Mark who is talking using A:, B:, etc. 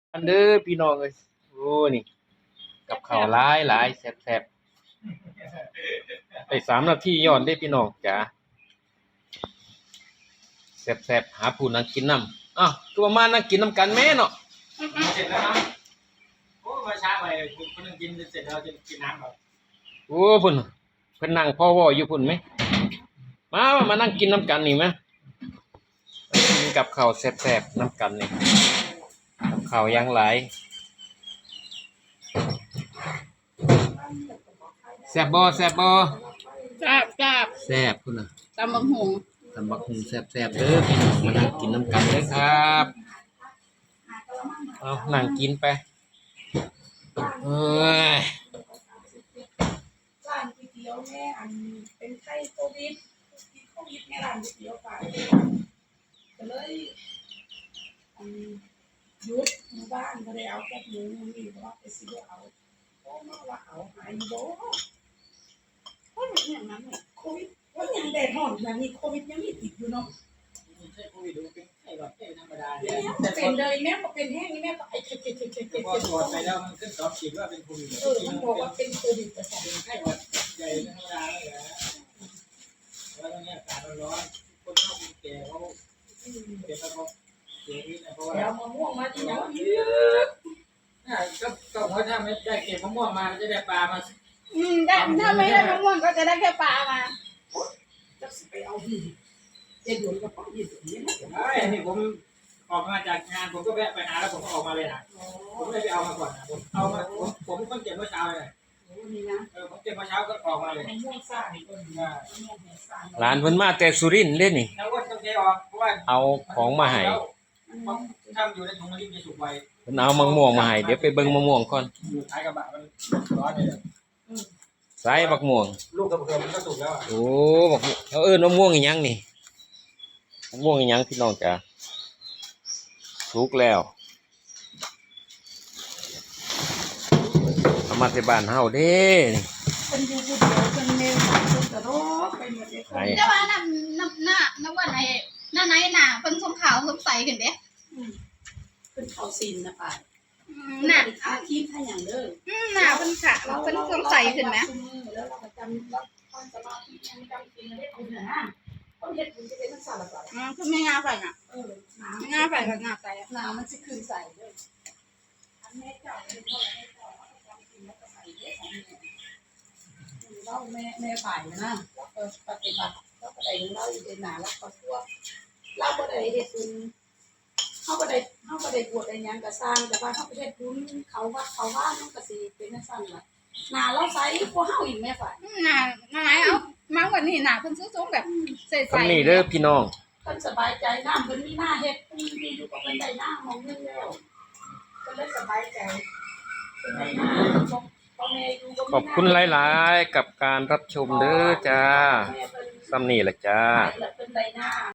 A: อันเด้อพี่น้องเอ้ยโอ้นี่กับข้าวหลายหลายแซ่บๆได้3 นาทีย้อนเด้พี่น้องจ๋าแซ่บๆหาผู้นั่งกินน้ำอ้าวคือว่ามานั่งกินน้ำกันแม่เนาะ
B: เสร็จแล้วครับโอ้มาช้าไปคนนึงกินเสร็จแล้วจะกินน้ำแบบ
A: โอ้พุ่นเพิ่นนั่งพ่อว่ออยู่พุ่นไหมมานั่งกินน้ำกันนี่ไหมกินกับข้าวแซ่บๆน้ำกันนี่กับข้าวอย่างหลายแซ่บบ่
C: จับ
A: แซ่บพุ่นน่ะ
C: ตำบักหุง
A: ตำบักหุ่งแซ่บๆเด้อพี่น้องมานั่งกินน้ำกันเด้อครับเอานั่งกินไปเอ้ย
D: ร้านก๋วยเตี๋ยวแม่อันเป็นไข้โควิดแม่ร้านก๋วยเตี๋ยวไปก็เลยอันหยุดหมู่บ้านก็ได้เอาแค่หมูนี่เพราะว่าไปซื้อเอาโอ้มาว่าเอาหายโบเพราะอย่างนั้นโควิดว่าอย่างแดดร้อนแบบนี้โควิดยังมีติดอยู่เนาะ
B: ไม่ใช่โควิดเป็นไข้หวัดธรรมดาเนี่ย
D: แม่ก็เป็นเลยแม่ก็เป็นแห้งนี่แม่ก็ไอ้
B: พอตรวจไปแล้วมันขึ้น2 ขีดว่าเป็นโควิด
D: มันบอกว่าเป็นโควิดแต่
B: เป็นไข้หวัดใหญ่ธรรมดาเลยนะแล้วตอนนี้อากาศร้อนคนเข้าคนแก่เขาเป็นแล้วเขาเสียชีวิตนะเพราะว่า
D: แล้วมะม่วงมาที่ไหน
B: ก็ว่าถ้าไม่ได้เก็บมะม่วงมาจะได้ปลามา
C: ได้ถ้าไม่ได้มะม่วงก็จะได้แค่ปลามา
D: จะไปเอาที่เจ็ดหยวนกับป้ายี่สิบนี่นะ
B: อันนี้ผมออกมาจากงานผมก็แวะไปหาแล้วผมก็ออกมาเลยนะผมไม่ได้ไปเอามาก่อนนะผมเอามาผมเพิ่งเก็บเมื่อเช้าเลย
D: นี่นะ
B: ผมเก็บเมื่อเช้าก็ออกมาเลย
D: มะม่วงซ่านี่ก็มีมะม่วงแห้งซ่า
A: หลานเพิ่นมาแต่สุรินทร์เด้นี่
B: แล้วก็ต้องเทออกเพราะว่า
A: เอาของมาให้
B: ถ้าอยู่ในถุงมันจะสุกไว
A: เพิ่นเอามะม่วงมาให้เดี๋ยวไปเบิ่งมะม่วงก่อน
B: อยู่ท้ายกระบะมันร้อนเลย
A: สายบักม่วง
B: ลูกกระเพื่อมมันก็สุกแล้ว
A: โอ้บักเขาเอิ้นมะม่วงอีหยังนี่มะม่วงอีหยังพี่น้องจ๋าสุกแล้วเอามาที่บ้านเฮาเด้นี่
D: คนอยู่ผู้เดียวคนเมย์คนกระโดดไปหมดเลยคน
C: แต่ว่าน้ำว่าไหนหน้าไหนหนาเป็นสมขาวสมใสขึ้นเด้
D: เป็นเขาซินนะป่า
C: หนา
D: อาคีพให้อย่างเด้อ
C: หนาเป็นขาวเป็นสมใสขึ้นไหม
D: แล้วเราประจำรับความสมาธิยังจำกินได้คุณนะคนเห็ดมันจะเป็นสารพัด
C: คือไม่งาใส่น่ะไม่งาใส่กับงาใส่
D: น้ำมันจะคืนใส่ด้วยอันแม่เจ้าเป็นเท่าไรเจ้าจำกินแล้วก็ใส่เยอะของแม่เราแม่ฝ่ายนะเราปฏิบัติเราก็ได้เราอยู่ในหนาแล้วก็ทั่วเราก็ได้เห็ดบุญเขาก็ได้บวชได้ยังก็สร้างแต่ว่าเขาไปเห็ดบุญเขาว่ามันก็สิเป็นสั้นละหนาเราใส่พวกเฮาอีกแม่ฝ่าย
C: หนาไหนเอามาวันนี้หนาเป็นซุ้มแบบใส่ใส่
A: นี่เด้อพี่น้อง
D: คนสบายใจน้ำคนมีหน้าเห็ดมีอยู่กับคนใดหน้ามองเงินแล้วก็เลยสบายใจเป็นใดหน้า
A: ขอบคุณหลายๆกับการรับชมเด้อจ้าซ้ำนี่แหละจ้า